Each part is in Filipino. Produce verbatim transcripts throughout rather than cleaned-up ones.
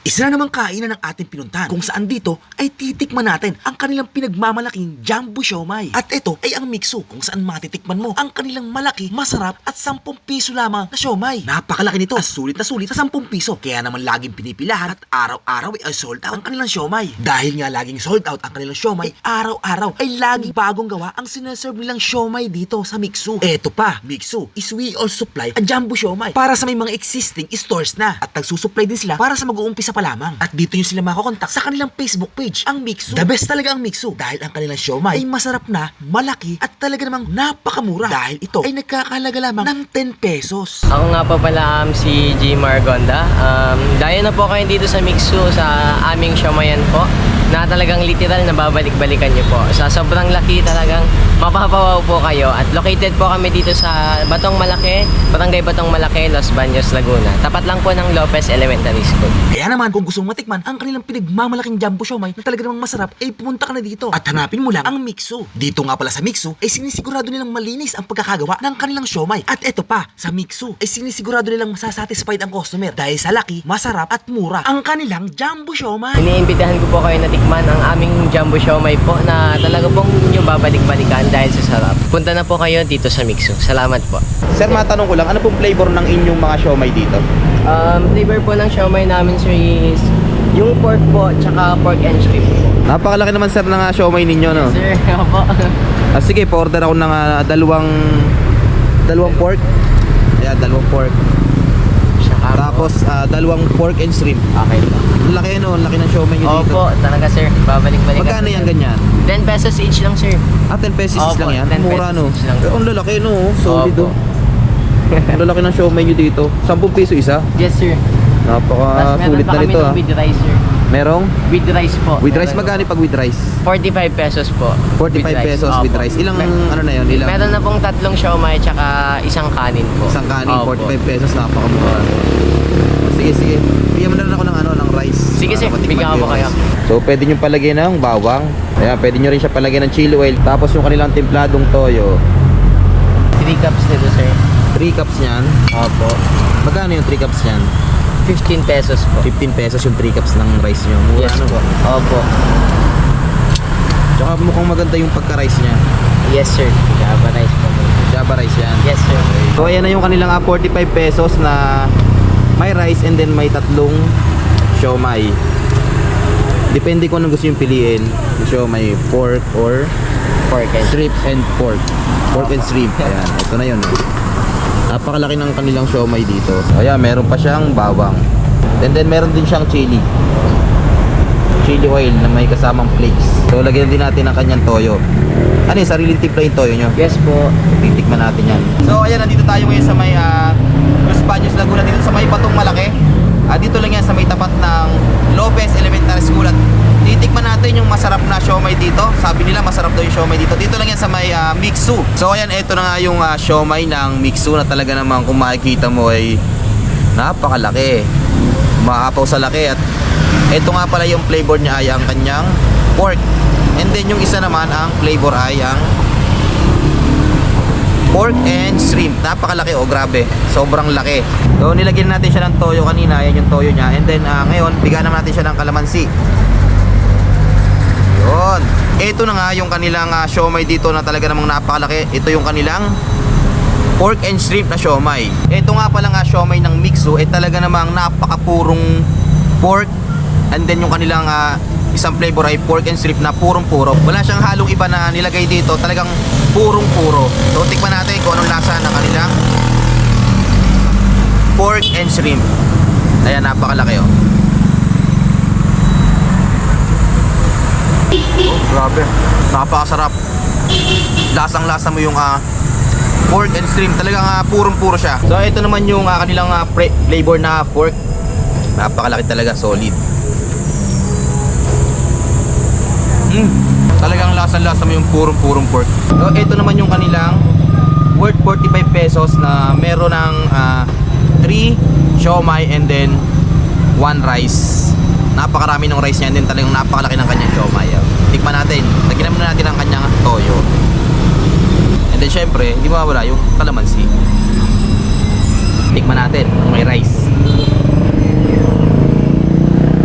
Isa na namang kainan ng ating pinuntahan kung saan dito ay titikman natin ang kanilang pinagmamalaking Jumbo Siomai. At ito ay ang Mixu kung saan matitikman mo ang kanilang malaki, masarap at sampung piso lamang na siomai. Napakalaki nito at sulit na sulit sa sampung piso. Kaya naman laging pinipilahan at araw-araw ay sold out ang kanilang siomai. Dahil nga laging sold out ang kanilang siomai, araw-araw ay laging bagong gawa ang sineserve nilang siomai dito sa Mixu. Eto pa, Mixu is we also supply a Jumbo Siomai para sa may mga existing stores na at nagsusupply din sila para sa mag-uumpisa pa lamang. At dito yung sila makakontak sa kanilang Facebook page, ang Mixu. The best talaga ang Mixu dahil ang kanilang siomai ay masarap na, malaki at talaga namang napakamura dahil ito ay nagkakahalaga lamang ng ten pesos. Ako nga po pala um, si G. Margonda. Um, dayo na po kayo dito sa Mixu sa aming siomayan po na talagang literal na babalik-balikan nyo po. Sa sobrang laki talagang mapapawaw po kayo at located po kami dito sa Batong Malaki, Barangay Batong Malaki, Los Baños, Laguna. Tapat lang po ng Lopez Elementary School. Kaya naman kung gusto mong matikman ang kanilang pinagmamalaking Jumbo Siomai na talaga namang masarap, ay pumunta ka na dito at hanapin mo lang ang Mixu. Dito nga pala sa Mixu ay sinisigurado nilang malinis ang pagkakagawa ng kanilang siomai. At eto pa, sa Mixu ay sinisigurado nilang masasatisfied ang customer dahil sa laki, masarap at mura ang kanilang Jumbo Siomai. Iniimbitahan ko po kayo na tikman ang aming Jumbo Siomai po na talaga pong nyo babalik-balikan dahil sa sarap. Punta na po kayo dito sa Mixu. Salamat po. Sir, matanong ko lang, ano pong flavor ng inyong mga siomai dito? Um, flavor po ng siomai namin sir is yung pork po, tsaka pork and shrimp po. Napakalaki naman sir ng uh, siomai ninyo, no? Sir, opo. Ah, sige, pa-order ako ng uh, dalawang dalawang pork. Ayan, dalawang pork. Tsaka po. Tapos uh, dalawang pork and shrimp. Okay po. Ang laki, no? Ang laki ng siomai nyo dito. Opo, talaga sir. Babalik-balikan. Magkano yan ganyan? ten pesos each lang sir. Ah, ten pesos Opo, lang yan? ten Mura, pesos no? each lang. Eh, ang lalaki, no? Solid, Opo. oh. Ang lalaki ng siomai nyo dito. ten piso isa? Yes sir. Napaka Tapos meron sulit pa na kami nito, ng ah. with rice sir. Merong? With rice po. With rice, Meron magkano po. pag with rice? forty-five pesos po. forty-five With rice. pesos with Opo. rice. Ilang, Mer- ano na yun? Ilang? Meron na pong tatlong siomai tsaka isang kanin po. Isang kanin, Opo. forty-five pesos, napakamura. Sige, sige. Bigyan mo na rin ako ng ano, ng rice. Sige, Para sir. matikman Bigyan ko ko yung kayo. rice. So, pwede nyo palagay ng bawang. Ayan, pwede nyo rin siya palagay ng chili oil. Tapos yung kanilang templadong toyo. three cups nito sir. three cups niyan. Opo. Magkano yung three cups niyan? fifteen pesos po. fifteen pesos yung three cups ng rice nyo. Mura, Yes ano? po. Opo. Tsaka mukhang maganda yung pagka-rice niya. Yes sir. Java rice po. Java rice yan. Yes sir. So, ayan na yung kanilang ah, forty-five pesos na may rice and then may tatlong siomai. Depende kung anong gusto yung piliin. Siomai, pork or Pork and shrimp and pork. Pork and shrimp. Ayan, ito na yun. Napakalaki ng kanilang siomai dito. Ayan, meron pa siyang bawang. And then meron din siyang chili. Chili oil na may kasamang flakes. So, lagyan din natin ang kanyang toyo. Ano yung sariling timpla yung toyo nyo? Yes po. Titikman natin yan. So ayan, nandito tayo ngayon sa may uh, Los Baños, Laguna, dito sa may Batong Malaki. Uh, dito lang yan sa may tapat ng Lopez Elementary School. At titikman natin yung masarap na siomai dito. Sabi nila masarap daw yung siomai dito. Dito lang yan sa may uh, Mixu. So ayan, ito na nga yung uh, siomai ng Mixu na talaga namang kung makikita mo ay napakalaki. Maapaw sa laki. At ito nga pala yung flavor niya ay ang kanyang pork. And then yung isa naman ang flavor ay ang pork and shrimp. Napakalaki, oh, grabe. Sobrang laki. So nilagyan natin siya ng toyo kanina. Yan yung toyo niya. And then uh, ngayon, bigyan naman natin siya ng kalamansi. Yun. Ito na nga yung kanilang uh, siomai dito na talaga namang napakalaki. Ito yung kanilang pork and shrimp na siomai. Ito nga pala nga siomai ng Mixu. Eh talaga namang napakapurong pork. And then yung kanilang uh, isang flavor ay pork and shrimp na purong-puro. Wala siyang halong iba na nilagay dito. Talagang purong-puro. So tikman natin kung anong lasa ng kanilang pork and shrimp. Ayan, napakalaki, oh. Oh, grabe. Napakasarap. Lasang-lasa mo yung uh, pork and shrimp. Talagang uh, purong-puro siya. So ito naman yung uh, kanilang uh, flavor na pork. Napakalaki talaga, solid. Mm. Talagang lasa-lasa mo yung purong-purong pork. So ito naman yung kanilang worth forty-five pesos na meron ng uh, three siomai and then one rice. Napakarami ng rice niya and then talagang napakalaki ng kanyang siomai. Tikman natin. Lagyan muna natin ang kanyang toyo. And then syempre, hindi mawawala yung kalamansi. Tikman natin, may rice.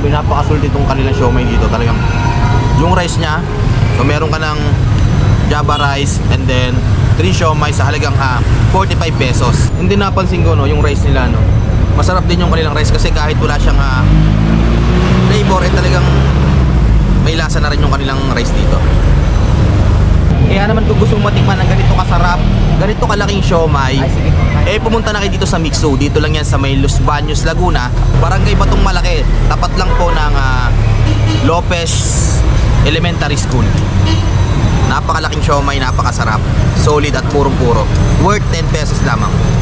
grabe, napakasulti itong kanilang siomay dito. Talagang yung rice niya, so meron ka ng Java rice and then three siomay sa halagang ah, forty-five pesos. Hindi napansin ko no, yung rice nila no. Masarap din yung kanilang rice kasi kahit wala siyang ah, flavor, eh talagang may lasa na rin yung kanilang rice dito. Kaya naman kung gusto mong matikman ng ganito kasarap, ganito kalaking siomay, Ay, sige po. eh pumunta na kayo dito sa Mixo. Dito lang yan sa may Los Baños, Laguna. Barangay Batong Malaki. Tapat lang po ng ah, Lopez Elementary School. Napakalaking siomay, napakasarap. Solid at purong-puro. Worth ten pesos lamang.